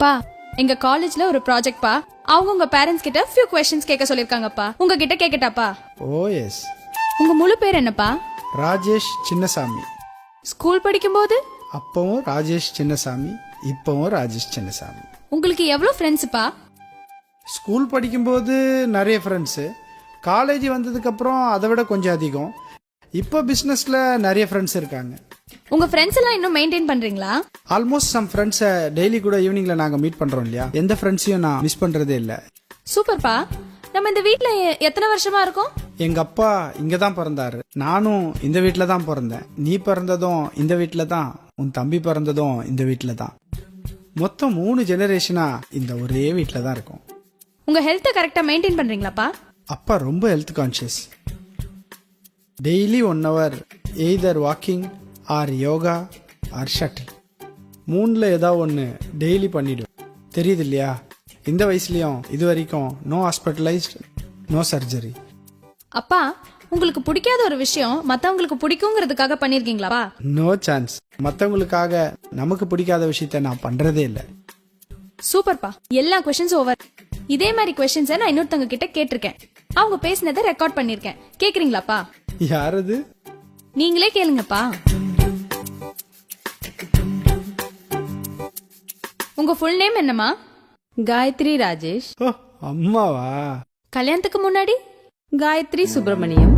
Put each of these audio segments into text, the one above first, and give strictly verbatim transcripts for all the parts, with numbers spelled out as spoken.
அப்பா, எங்க காலேஜ்ல ஒரு ப்ராஜெக்ட் பா. அவங்க உங்க பேரண்ட்ஸ் கிட்ட ஃபியூ क्वेश्चंस கேட்க சொல்லிருக்காங்கப்பா. உங்ககிட்ட கேக்கட்டாப்பா? ஓ எஸ். உங்க முழு பேர் என்னப்பா? ராஜேஷ் சின்னசாமி. ஸ்கூல் படிக்கும்போது அப்பவும் ராஜேஷ் சின்னசாமி, இப்பவும் ராஜேஷ் சின்னசாமி. உங்களுக்கு எவ்வளவு ஃப்ரெண்ட்ஸ்ப்பா? ஸ்கூல் படிக்கும்போது நிறைய ஃப்ரெண்ட்ஸு, காலேஜ் வந்ததுக்கு அப்புறம் அதை விட கொஞ்சம் அதிகம். இப்போ பிஸ்னஸ்ல நிறைய ஃப்ரெண்ட்ஸ் இருக்காங்க. உங்க ஃப்ரெண்ட்ஸ் எல்லாம் இன்னும் மெயின்டைன் பண்றீங்களா? ஆல்மோஸ்ட் சம் ஃப்ரெண்ட்ஸை டெய்லி கூட ஈவினிங்ல நாங்க மீட் பண்றோம் இல்லையா, எந்த ஃப்ரெண்ட்ஸையும் நான் மிஸ் பண்றதே இல்லை. சூப்பர்ப்பா. நம்ம இந்த வீட்ல எத்தனை வருஷமா இருக்கோம்? எங்க அப்பா இங்க தான் பிறந்தாரு, நானும் இந்த வீட்டில தான் பிறந்தேன். நீ பிறந்ததும் இந்த வீட்டில தான், உன் தம்பி பிறந்ததும் இந்த வீட்டில தான். மொத்தம் மூணு ஜெனரேஷனா இந்த ஒரே வீட்டில தான் இருக்கும். உங்க ஹெல்த்தை கரெக்டா மெயின்டைன் பண்றீங்களாப்பா? அப்பா ரொம்ப health conscious. Daily one hour either walking or yoga or shuttle, மூணுல ஏதாவது ஒன்று டெய்லி பண்ணிடும். தெரியுது இல்லையா, இந்த வயசுலயும் இது வரைக்கும் நோ ஹாஸ்பிட்டலைஸ்ட், நோ சர்ஜரி. அப்பா, உங்களுக்கு பிடிக்காத ஒரு விஷயம் மத்தவங்களுக்கு பிடிக்குங்கிறதுக்காக பண்ணிருக்கீங்களா? No chance. மற்றவங்களுக்காக நமக்கு பிடிக்காத விஷயத்த நான் பண்றதே இல்லை. சூப்பர்ப்பா. எல்லா क्वेश्चंस ஓவர். இதே மாதிரி क्वेश्चंस நான் இன்னொருத்தங்க கிட்ட கேட்டிருக்கேன். அவங்க பேசினதை ரெக்கார்ட் பண்ணிருக்கேன். கேக்குறீங்களாப்பா? யாரது? நீங்களே கேளுங்கப்பா. உங்க ஃபுல் நேம் என்னமா? காயத்ரி ராஜேஷ். ஓ, அம்மாவா? கல்யாணத்துக்கு முன்னாடி? காயத்ரி சுப்பிரமணியம்.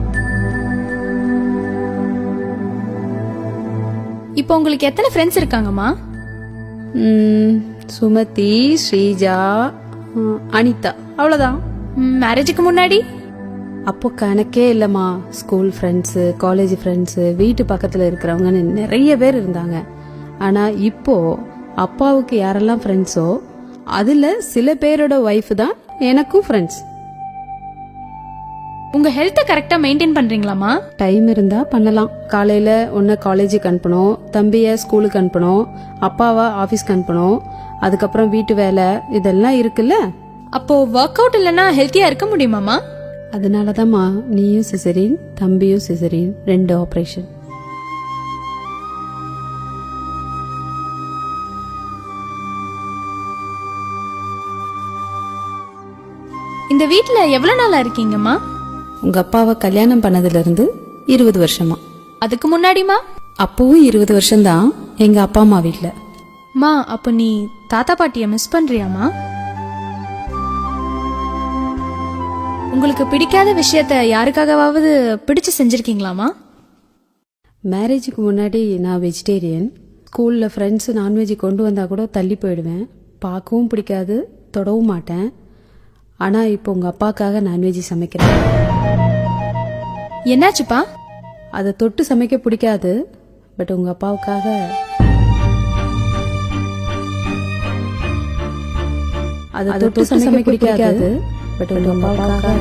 இப்போ உங்களுக்கு எத்தனை ஃப்ரெண்ட்ஸ் இருக்காங்கம்மா? ம், சுமதி, ஸ்ரீஜா, ம், அனிதா, அவ்வளோதான். மேரேஜுக்கு முன்னாடி? அப்போ கணக்கே இல்லைம்மா. ஸ்கூல் ஃப்ரெண்ட்ஸு, காலேஜ் ஃப்ரெண்ட்ஸு, வீட்டு பக்கத்தில் இருக்கிறவங்கன்னு நிறைய பேர் இருந்தாங்க. ஆனால் இப்போ அப்பாவுக்கு யாரெல்லாம் ஃப்ரெண்ட்ஸோ அதில் சில பேரோட ஒய்ஃப் தான் எனக்கும் ஃப்ரெண்ட்ஸ். உங்க ஹெல்த்தை கரெக்டா மெயின்டைன் பண்றீங்களாமா? டைம் இருந்தா பண்ணலாம். காலையில ஒன்னு காலேஜுக்கு அனுப்பணும், தம்பிய ஸ்கூலுக்கு அனுப்பணும், அப்பாவை ஆபீஸ்க்கு அனுப்பணும், அதுக்கப்புறம் வீட்டு வேலை இதெல்லாம் இருக்குல்ல. அப்போ ஒர்க் அவுட் இல்லைன்னா ஹெல்த்தியா இருக்க முடியுமாமா? அதனாலதாம்மா நீயும் சிசரின், தம்பியும் சிசரின், ரெண்டு ஆபரேஷன். இந்த வீட்ல எவ்வளவு நாளா இருக்கீங்கம்மா? உங்க அப்பாவை கல்யாணம் பண்ணதுல இருந்து இருபது வருஷமா. அதுக்கு முன்னாடிமா? அப்பவும் இருபது வருஷம்தான் எங்க அப்பா அம்மா வீட்ல. மா, அப்ப நீ தாத்தா பாட்டிய மிஸ் பண்றியாமா? உங்களுக்கு பிடிக்காத விஷயத்த யாருக்காகவாவது பிடிச்சு செஞ்சிருக்கீங்களாமா? மேரேஜுக்கு முன்னாடி நான் வெஜிடேரியன். ஸ்கூல்ல ஃப்ரெண்ட்ஸ் நான்வெஜ் கொண்டு வந்தா கூட தள்ளி போயிடுவேன். பார்க்கவும் பிடிக்காது, தொடவும் மாட்டேன். ஆனா இப்போ உங்க அப்பாக்காக நான்வெஜ் சமைக்கிறேன். என்னாச்சுப்பா? அதை தொட்டு சமைக்க பிடிக்காது, பட் உங்க அப்பாவுக்காக. அதை தொட்டு சமைக்க பிடிக்காது, பட் உங்க அப்பாவுக்காக.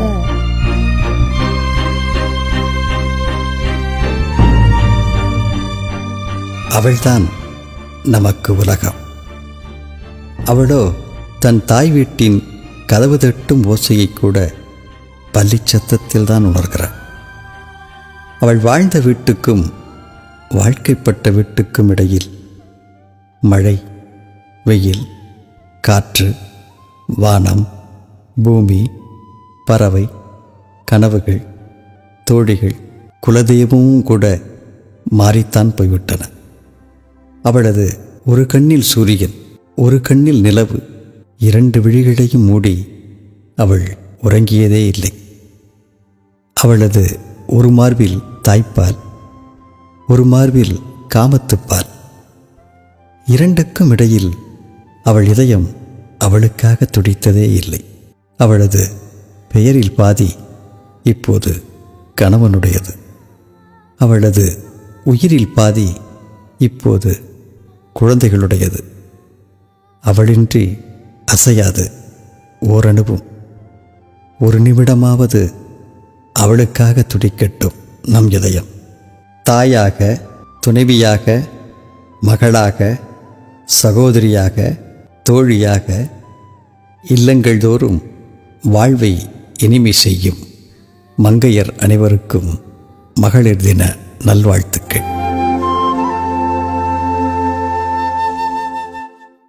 அவள்தான் நமக்கு உலகம். அவளோ தன் தாய் வீட்டின் கதவு தட்டும் ஓசையை கூட பள்ளிச்சத்தத்தில் தான் உணர்கிறாள். அவள் வாழ்ந்த வீட்டுக்கும் வாழ்க்கைப்பட்ட வீட்டுக்கும் இடையில் மழை, வெயில், காற்று, வானம், பூமி, பறவை, கனவுகள், தோழிகள், குலதெய்வமும் கூட மாறித்தான் போய்விட்டன. அவளது ஒரு கண்ணில் சூரியன், ஒரு கண்ணில் நிலவு, இரண்டு விழிகளையும் மூடி அவள் உறங்கியதே இல்லை. அவளது ஒரு மார்பில் தாய்ப்பால், ஒரு மார்பில் காமத்துப்பால், இரண்டுக்கும் இடையில் அவள் இதயம் அவளுக்காக துடித்ததே இல்லை. அவளது பெயரில் பாதி இப்போது கணவனுடையது. அவளது உயிரில் பாதி இப்போது குழந்தைகளுடையது. அவளின்றி அசையாது ஓரணுவும். ஒரு நிமிடமாவது அவளுக்காக துடிக்கட்டும் நம் இதயம். தாயாக, துணைவியாக, மகளாக, சகோதரியாக, தோழியாக இல்லங்கள் தோறும் வாழ்வை இனிமை செய்யும் மங்கையர் அனைவருக்கும் மகளிர் தின நல்வாழ்த்துக்கள்.